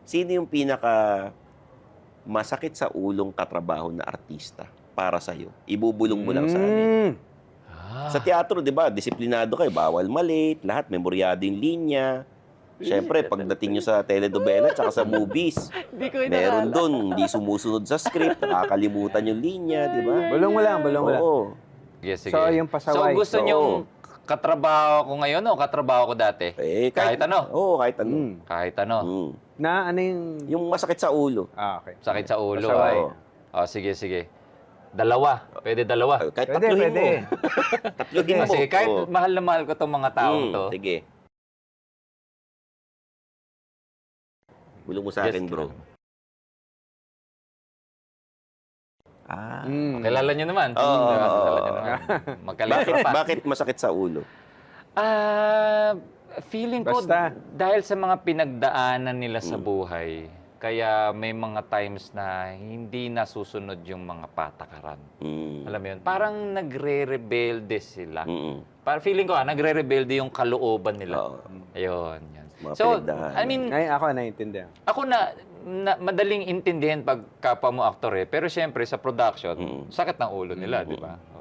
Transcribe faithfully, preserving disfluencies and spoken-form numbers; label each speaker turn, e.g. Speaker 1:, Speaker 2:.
Speaker 1: Sino yung pinaka masakit sa ulong katrabaho na artista para sa'yo? Ibubulong mo lang sa amin.
Speaker 2: Mm.
Speaker 3: Ah.
Speaker 1: Sa teatro, di ba, disiplinado kayo, bawal malate, lahat, memoryado yung linya. Siyempre, pagdating nyo sa teledobela tsaka sa movies,
Speaker 3: Hindi ko
Speaker 1: meron dun, hindi sumusunod sa script, nakakalimutan yung linya, di ba?
Speaker 2: Bulong mo lang, bulong mo lang.
Speaker 1: Oo.
Speaker 3: Sige, sige.
Speaker 2: So, yung pasaway.
Speaker 3: So, gusto
Speaker 1: Oo.
Speaker 3: niyong katrabaho ko ngayon o katrabaho ko dati?
Speaker 1: Eh,
Speaker 3: Kahit ano?
Speaker 1: Oo, kahit ano.
Speaker 2: Mm.
Speaker 3: Kahit ano.
Speaker 1: Mm.
Speaker 2: Na ano yung...
Speaker 1: Yung masakit sa ulo.
Speaker 2: Ah, okay.
Speaker 3: Sakit sa ulo.
Speaker 2: Pasaway.
Speaker 3: Ay. Oh, sige, sige. Dalawa. Pwede dalawa.
Speaker 1: Kahit
Speaker 2: Pwede,
Speaker 1: tatluhin
Speaker 2: pwede.
Speaker 1: mo. Tatluhin
Speaker 3: Ah,
Speaker 1: mo.
Speaker 3: sige, kahit
Speaker 1: Oo.
Speaker 3: mahal na mahal ko itong mga taong
Speaker 1: Mm,
Speaker 3: to.
Speaker 1: Sige. Bulong mo sa
Speaker 3: Yes,
Speaker 1: akin, bro.
Speaker 3: kilala.
Speaker 1: Ah.
Speaker 2: Mm.
Speaker 3: Kilala niyo naman.
Speaker 1: Oo,
Speaker 3: Diba?
Speaker 1: oo,
Speaker 3: Kilala
Speaker 1: oo.
Speaker 3: niyo naman.
Speaker 1: Bakit,
Speaker 3: Magkalitra pa.
Speaker 1: bakit masakit sa ulo?
Speaker 3: Ah, feeling ko
Speaker 2: Basta.
Speaker 3: dahil sa mga pinagdaanan nila
Speaker 1: Mm.
Speaker 3: sa buhay, kaya may mga times na hindi nasusunod yung mga patakaran.
Speaker 1: Mm.
Speaker 3: Alam mo yun? Parang nagre-rebelde sila.
Speaker 1: Mm-mm.
Speaker 3: Parang feeling ko, ah, nagre-rebelde yung kalooban nila.
Speaker 1: Oo.
Speaker 3: Ayun, yan.
Speaker 1: Mga
Speaker 3: So,
Speaker 1: pinagdaanan.
Speaker 3: I mean,
Speaker 2: Ay, ako naiintindihan.
Speaker 3: ako na, na madaling intindihin pag kapwa mo aktor eh. Pero syempre, sa production,
Speaker 1: Mm.
Speaker 3: sakit ng ulo nila,
Speaker 1: Mm.
Speaker 3: di ba?